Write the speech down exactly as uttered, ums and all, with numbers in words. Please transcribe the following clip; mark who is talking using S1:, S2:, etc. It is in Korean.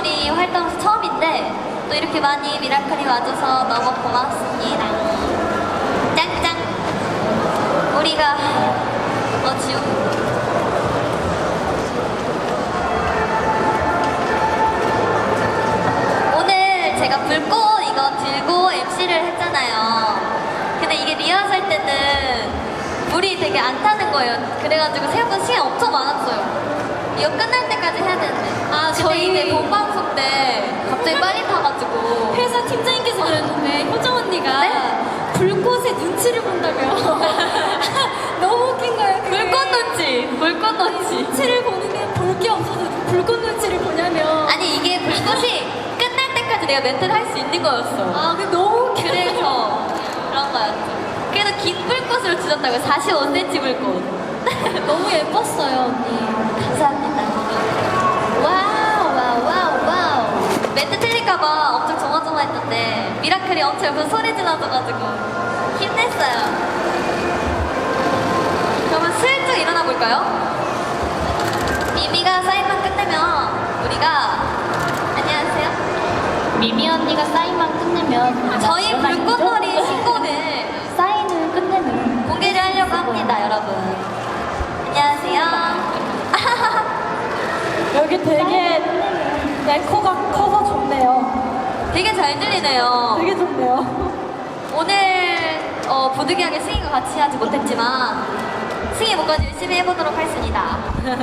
S1: 불꽃놀이 활동 처음인데 또 이렇게 많이 미라클이 와줘서 너무 고맙습니다. 짱짱. 우리가 어 지우. 오늘 제가 불꽃 이거 들고 엠시를 했잖아요. 근데 이게 리허설 때는 물이 되게 안 타는 거예요. 그래가지고 생각보다 시간 엄청 많았어요. 이거 끝날 때까지 해야 되는데. 아, 저희 이제 본방송 때 갑자기 빨리 타가지고.
S2: 회사 팀장님께서 그랬는데 효정 언니가
S1: 네?
S2: 불꽃의 눈치를 본다며. 너무 웃긴 거예요. 그게.
S1: 불꽃 눈치! 불꽃 눈치!
S2: 눈치를 보는 게 볼 게 없어서 불꽃 눈치를 보냐며.
S1: 아니, 이게 불꽃이 끝날 때까지 내가 멘트를 할 수 있는 거였어.
S2: 아, 그게 너무 웃겨.
S1: 그래서 그런 거였죠. 그래도 긴 불꽃으로 주셨다고요. 사십오 센티미터 불꽃.
S2: 너무 예뻤어요, 언니.
S1: 감사합니다. 와우, 와우, 와우, 와우. 멘트 틀릴까봐 엄청 조마조마했는데 미라클이 엄청 옆에서 소리 질러줘가지고 힘냈어요. 그러면 슬쩍 일어나 볼까요? 미미가 사인만 끝내면 우리가 안녕하세요.
S2: 미미 언니가 사인만 끝내면
S1: 저희 불꽃놀이 신곡을
S2: 사인을 끝내면
S1: 공개를 하려고 합니다, 여러분. 안녕하세요.
S2: 여기 되게 내 코가 커서 좋네요.
S1: 되게 잘 들리네요.
S2: 되게 좋네요.
S1: 오늘 어, 부득이하게 승희가 같이 하지 못했지만 승희 목까지 열심히 해보도록 하겠습니다.